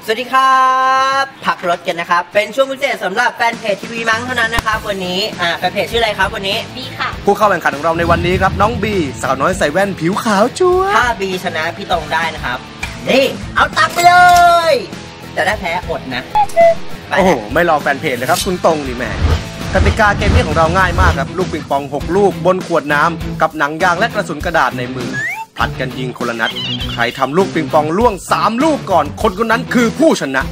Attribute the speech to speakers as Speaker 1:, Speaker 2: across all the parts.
Speaker 1: สวัสดีครับพักรถกันนะครับเป็นช่วงพิเศษสำหรับแฟนเพจทีวีมั้งเท่านั้นนะครับวันนี้แฟนเพจชื่ออะไรครับวันนี้
Speaker 2: บีค่ะ
Speaker 3: ผู้เข้าแข่งขันของเราในวันนี้ครับน้องบีสาวน้อยใส่แว่นผิวขาวจั๊ว
Speaker 1: ถ้าบีชนะพี่ตรงได้นะครับนี่เอาตังไปเลยแต่ถ้าแพ้อดนะ
Speaker 3: โอ้โหไม่รอแฟนเพจเลยครับคุณตรงนี่แม่กติกาเกมนี้ของเราง่ายมากครับลูกปิงปอง6ลูกบนขวดน้ำกับหนังยางและกระสุนกระดาษในมือผลัดกันยิงคนละนัดใครทำลูกปิงปองล่วง3ลูกก่อนคนนั้นคือผู้ชนะ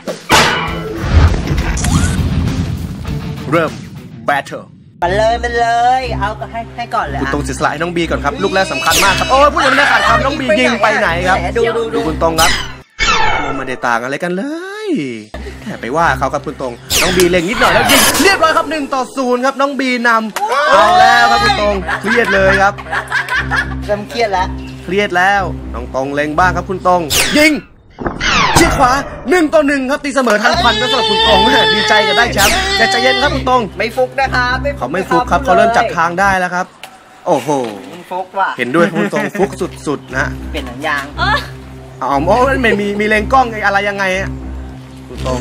Speaker 3: เริ่ม Battle
Speaker 1: มันเลยเอาให้ก่อนเลย
Speaker 3: คุณตรงเสียสละให้น้องบีก่อนครับลูกแรกสำคัญมากครับโอ้ยพูดยังไม่ได้ขาดคำน้องบียิงไปไหนครับดูคุณตรงครับไม่ได้ต่างอะไรกันเลยแค่ไปว่าเขาครับคุณตรงน้องบีเล็งนิดหน่อยแล้วยิงเรียบร้อยครับ1-0ครับน้องบีนำเอาแล้วครับคุณตรงเครียดเลยครับ
Speaker 1: เริ่มเครียด
Speaker 3: แล้วน้องตรงเล็งบ้างครับคุณตรงยิงชี้ขวา1-1ครับตีเสมอทันควันก็สำหรับคุณตรงดีใจกับได้แชมป์แต่ใจเย็นครับคุณตรง
Speaker 1: ไม่ฟุกนะครับ
Speaker 3: เขาไม่ฟุกครับเขาเริ่มจับทางได้แล้วครับโอ้โห
Speaker 1: ฟุกว่ะ
Speaker 3: เห็นด้วยคุณตรงฟุกสุดๆนะ
Speaker 1: เปลี่ยนหนังยาง
Speaker 3: อ๋อโอ้ยมีเลงกล้องอะไรยังไงคุณตรง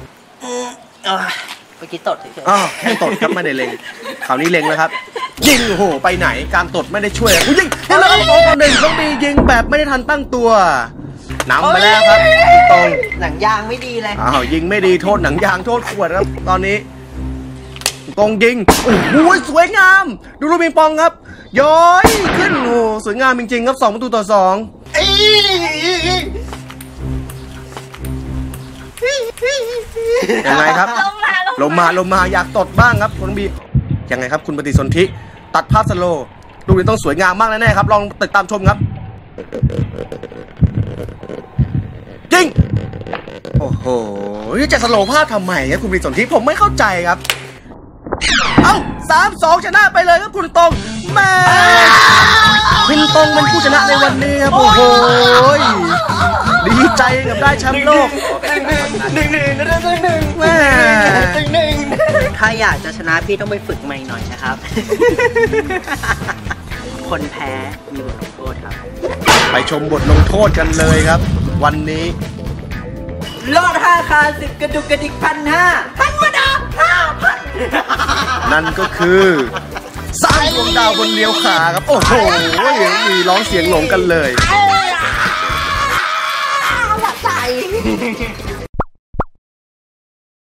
Speaker 1: เมื่อกี้ตดเฉย
Speaker 3: ๆแค่ตดครับไม่ได้เลงคราวนี้เลงแล้วครับยิงโอ้โหไปไหนการตดไม่ได้ช่วยยิงแล้วครับ2-1ต้องมียิงแบบไม่ได้ทันตั้งตัวนำไปแล้วครับตรง
Speaker 1: หนังยางไม่ดีเลย
Speaker 3: ยิงไม่ดีโทษหนังยางโทษขวดครับตอนนี้ตรงยิงโอ้โหสวยงามดูลูกปิงปองครับย้อยขึ้นโอ้สวยงามจริงๆครับ2-2ยังไงครับลงมาอยากตดบ้างครับคุณบียังไงครับคุณปฏิสนธิตัดภาพสโลว์ลูกนี้ต้องสวยงามมากแน่ๆครับลองติดตามชมครับจริงโอ้โหจะสโลว์ภาพทำไมครับคุณปฏิสนธิผมไม่เข้าใจครับ3-2ชนะไปเลยครับคุณตรงแม่คุณตรงเป็นผู้ชนะในวันนี้ครับโอ้โหดีใจกับได้แชมป์โลก
Speaker 1: แม่ถ้าอยากจะชนะพี่ต้องไปฝึกใหม่หน่อยนะครับคนแพ้มีบทลงโทษครับ
Speaker 3: ไปชมบทลงโทษกันเลยครับวันนี้
Speaker 1: ลอด5 คา 10 กระดุกกระดิก1,500ธรรมดา 5,000
Speaker 3: นั่นก็คือสร้างดวงดาวบนเลี้ยวขาครับโอ้โหมีร้องเสียงหลงกันเลย